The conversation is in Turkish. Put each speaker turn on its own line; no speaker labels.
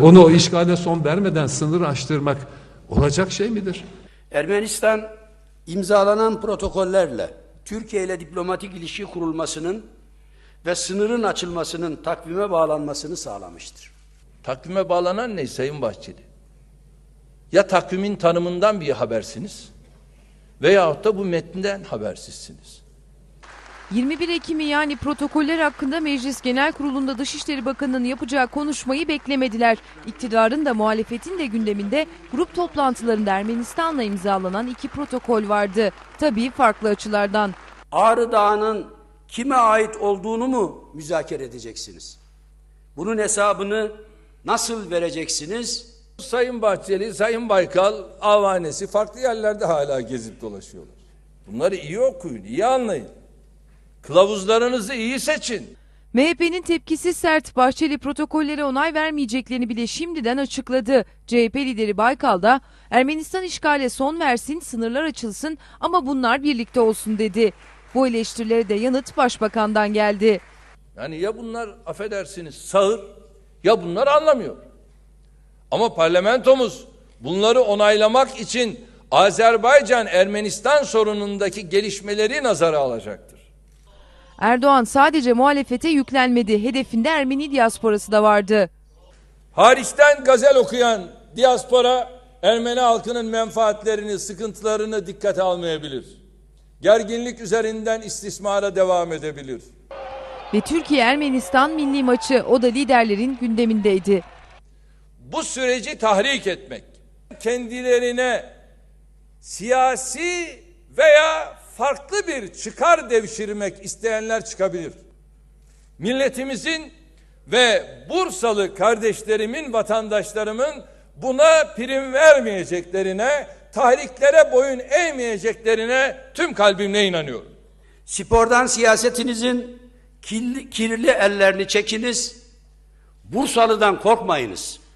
onu o işgale son vermeden sınır aştırmak olacak şey midir?
Ermenistan imzalanan protokollerle Türkiye ile diplomatik ilişki kurulmasının ve sınırın açılmasının takvime bağlanmasını sağlamıştır.
Takvime bağlanan ne Sayın Bahçeli? Ya takvimin tanımından bir habersiniz veyahut da bu metninden habersizsiniz.
21 Ekim'i yani protokoller hakkında Meclis Genel Kurulu'nda Dışişleri Bakanı'nın yapacağı konuşmayı beklemediler. İktidarın da muhalefetin de gündeminde grup toplantılarında Ermenistan'la imzalanan 2 protokol vardı. Tabii farklı açılardan.
Ağrı Dağı'nın kime ait olduğunu mu müzakere edeceksiniz? Bunun hesabını nasıl vereceksiniz?
Sayın Bahçeli, Sayın Baykal avanesi farklı yerlerde hala gezip dolaşıyorlar. Bunları iyi okuyun, iyi anlayın. Kılavuzlarınızı iyi seçin.
MHP'nin tepkisi sert. Bahçeli protokollere onay vermeyeceklerini bile şimdiden açıkladı. CHP lideri Baykal da Ermenistan işgale son versin, sınırlar açılsın ama bunlar birlikte olsun dedi. Bu eleştirilere de yanıt Başbakan'dan geldi.
Yani ya bunlar affedersiniz sağır ya bunlar anlamıyor. Ama parlamentomuz bunları onaylamak için Azerbaycan-Ermenistan sorunundaki gelişmeleri nazara alacaktır.
Erdoğan sadece muhalefete yüklenmedi. Hedefinde Ermeni diasporası da vardı.
Hariçten gazel okuyan diaspora Ermeni halkının menfaatlerini, sıkıntılarını dikkate almayabilir. Gerginlik üzerinden istismara devam edebilir.
Ve Türkiye-Ermenistan milli maçı, o da liderlerin gündemindeydi.
Bu süreci tahrik etmek, kendilerine siyasi veya farklı bir çıkar devşirmek isteyenler çıkabilir. Milletimizin ve Bursalı kardeşlerimin, vatandaşlarımın buna prim vermeyeceklerine, tahriklere boyun eğmeyeceklerine tüm kalbimle inanıyorum.
Spordan siyasetinizin kirli ellerini çekiniz, Bursalı'dan korkmayınız.